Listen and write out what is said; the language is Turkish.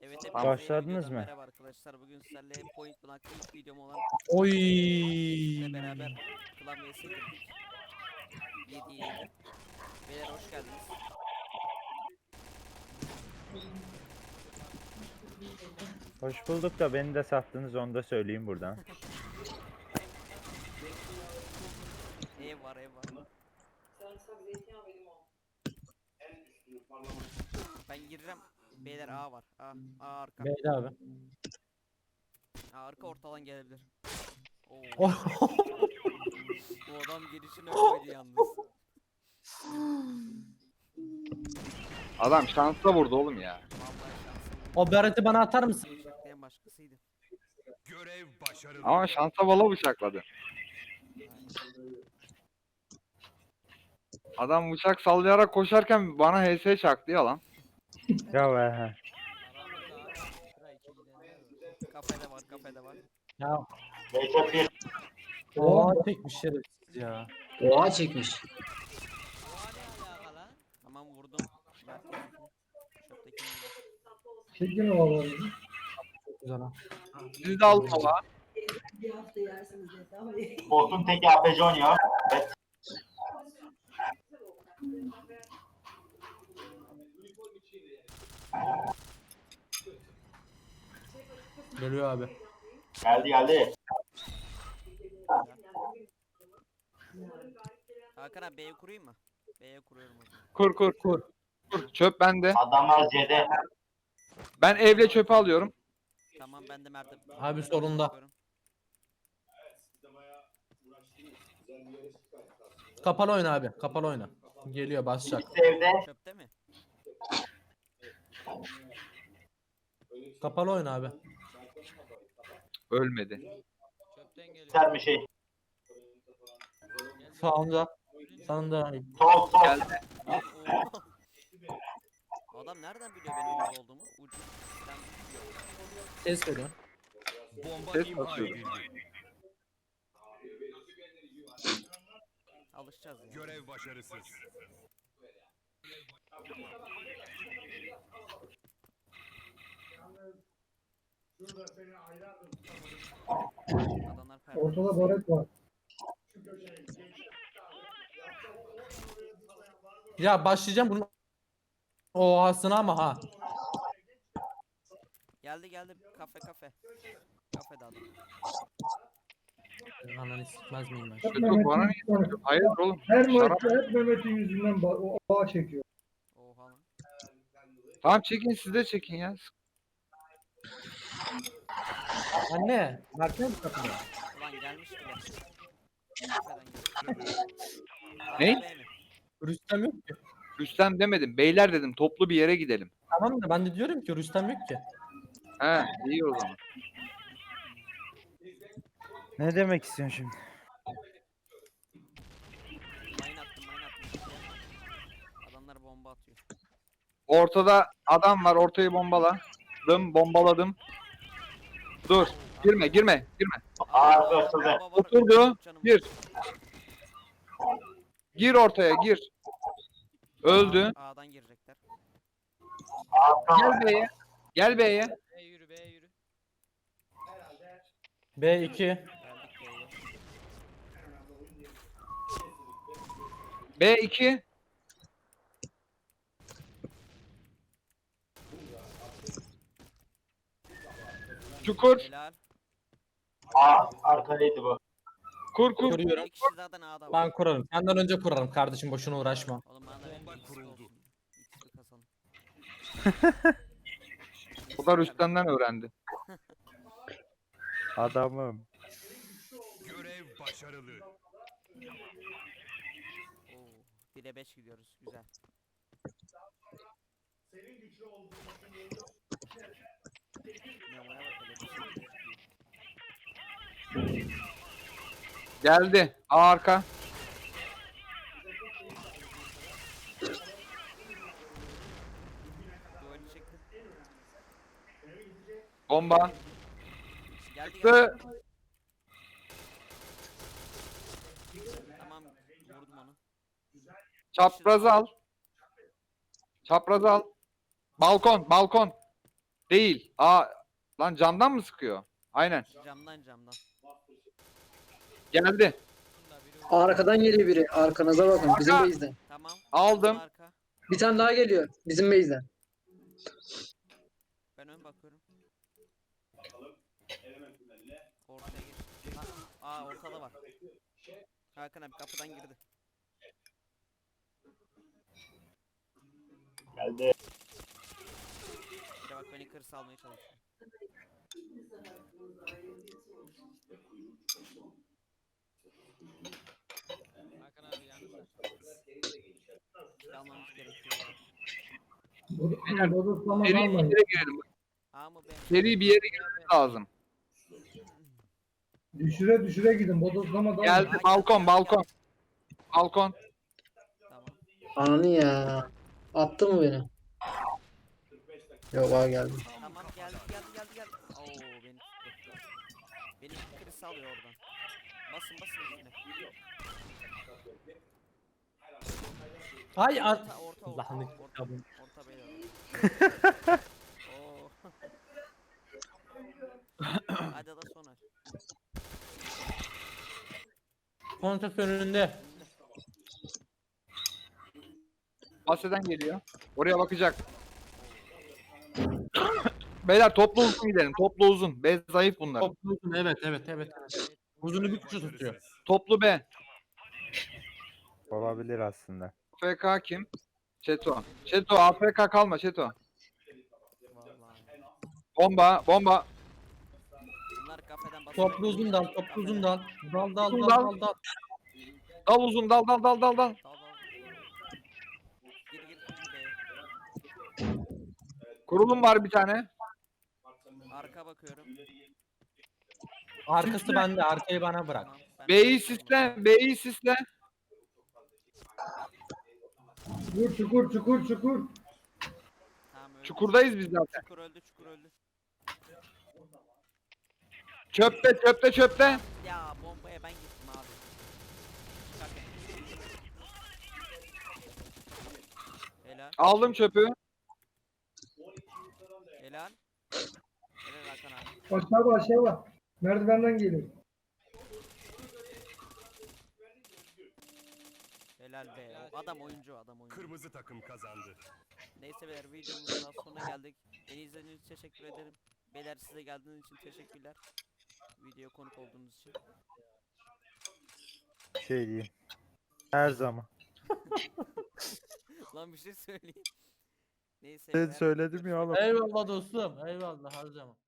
Evet hepinize Başladınız mı? merhaba arkadaşlar. Bugün sizlerle Point Blank'ta ilk videom olan Oy. ile beraber Klan vs girdik. 7'ye 7. Beyler hoş geldiniz. Hoş bulduk da beni de sattınız, onu da söyleyeyim buradan. Ev var ev var. Ben gireceğim. Beyler A var. A arka. Beydi abi. A arka ortadan gelebilir. Oo. Oh. Bu adam girişine koydu yalnız. Adam şansla vurdu oğlum ya. Vallahi şansım. O Berat'ı bana atar mısın? En başkasıydı. Görev başarılı. Ama şansa bala bıçakladı. Adam bıçak sallayarak koşarken bana HS çaktı ya lan. Ya he. Kafede var kafede var. Ya. Recep bir Oha çekmiş şerefsiz ya. oha çekmiş. Tamam vurdum. Şöptekini vurdum. Çekin ovaları. Çok güzel ha. Siz de alın ama. Bir hafta yersiniz yeter ama Botun teki APC oynuyor. Evet. Geliyor abi. Geldi. Hakan abi B'ye kurayım mı? B'ye kuruyorum o zaman. Kur. Çöp bende. Adamlar C'de. Ben evle çöpü alıyorum. Tamam ben de Mert'e. Abi solunda. bakıyorum. Kapalı oyna abi. Kapalı oyna. Geliyor basacak. İkisi evde. Çöpte mi? Kapalı oyna abi. Ölmedi. Ser mi şey? Sağında. Sağında. Sol. Geldi. Oo. Adam nereden biliyor benim orada olduğumu? Ucu. Ben biliyorum. Ses veriyor. Bomba Ses imha basıyorum. edildi. Alışacağız ya. Görev başarısız. Adamlar performans. ortada baret var. Ya başlayacağım bunun ohasına ama ha. Geldi kafe. Kafede adam. Ananı sikmez miyim ben? Hep Kötü Mehmet'in bana yüzünden- niye? Hayır oğlum. Her Şarap. maçta hep Mehmet'in yüzünden o bağ çekiyor. Oha lan. Tamam çekin, siz de çekin ya. Anne. Mert'e mi kapıda? Ulan gelmiş bile. Kafeden geldi. Ne? A, B mi? Rüstem yok ki. Rüstem demedim. Beyler dedim. Toplu bir yere gidelim. Tamam da ben de diyorum ki Rüstem yok ki. He iyi o zaman. Ne demek istiyorsun şimdi? Mine attım. Adamlar bomba atıyor. Ortada adam var. Ortayı bombaladım. Dur. Girme. Ağzı açıldı. Bomba var. Oturdu. Canım. Gir. Gir ortaya gir. Öldü. A'dan girecekler. Gel B'ye. B yürü. B2. Geldik B'ye. B2. Çukur. Helal. Arkadaydı bu. Kur. Kuruyorum. Bir kişi zaten A'da var. Ben kurarım. Senden önce kurarım kardeşim, boşuna uğraşma. Oğlum bana da Bomba bir kuruldu. olsun. İkisi kazanın. O da Rüstem'den öğrendi. Adamım. Görev başarılı. Oo, 1'e 5 gidiyoruz. Güzel. Memo'ya bak hele, bir şey çıkıyor. Geldi. A arka. Duvarı çekti. Bomba. Geldi. Çıktı. Tamam vurdum onu. Çaprazı al. Balkon. Değil. Lan camdan mı sıkıyor? Aynen. Camdan. Geldi. Arkadan geliyor biri. Arkanıza bakın. Bizim Arka. base'den. Tamam. Aldım. Arka. Bir tane daha geliyor. Bizim base'den. Ben ön bakıyorum. Ortaya gir. Ortada var. Hakan abi kapıdan girdi. Geldi. Bir de bak beni kır salmaya çalışıyor. Hakan abi yalnız. Almamız gerekiyor. Bodoslama Seri bir kalmayın. yere girelim. Ama ben... Seri bir yere girmemiz lazım. Düşüre gidin. Bodoslama Geldi. kalmayın. Balkon. Balkon. Tamam. Ananı ya. Attı mı beni? Yok ha geldi. Tamam geldi. Oo beni tuttu. Beni kır salıyor oradan. Basın üstüne. Hay ar... Orta. Lanet kitabım. Orta beyler. Oo. Hadi da sonar. Kontes önünde. Bahseden geliyor. Oraya bakacak. Beyler toplu uzun gidelim. Toplu uzun. B zayıf bunlar. Toplu uzun, evet. Uzunu bir kuşa tutuyor. Toplu B. Olabilir aslında. AFK kim? Çeto. Çeto AFK kalma Çeto. Vallahi. Bomba. Bunlar kafeden basıyor. Toplu uzun dal. Dal. Uzun dal. Dal uzun dal. Dal. Gir be. Kurulum var bir tane. Arka bakıyorum. Arkası bende. Arkayı bana bırak. Tamam. ben- B'yi sisle. Çukur. Tamam, öldü. Çukurdayız biz zaten. Çukur öldü. Çöpte. Ya bombaya ben gittim abi. Çıkarken. Helal. Aldım çöpü. Helal Hakan abi. Aşağı var. Merdivenden geliyor. Helal be. O adam oyuncu. Kırmızı takım kazandı. Neyse beyler videomuzun daha sonuna geldik. Beni izlediğiniz için teşekkür ederim. Beyler size geldiğiniz için teşekkürler. Videoya konuk olduğunuz için. Şey diyeyim. Her zaman. Lan bir şey söyleyeyim. Neyse Ben beyler, söyledim ya oğlum. Eyvallah dostum. Eyvallah her zaman.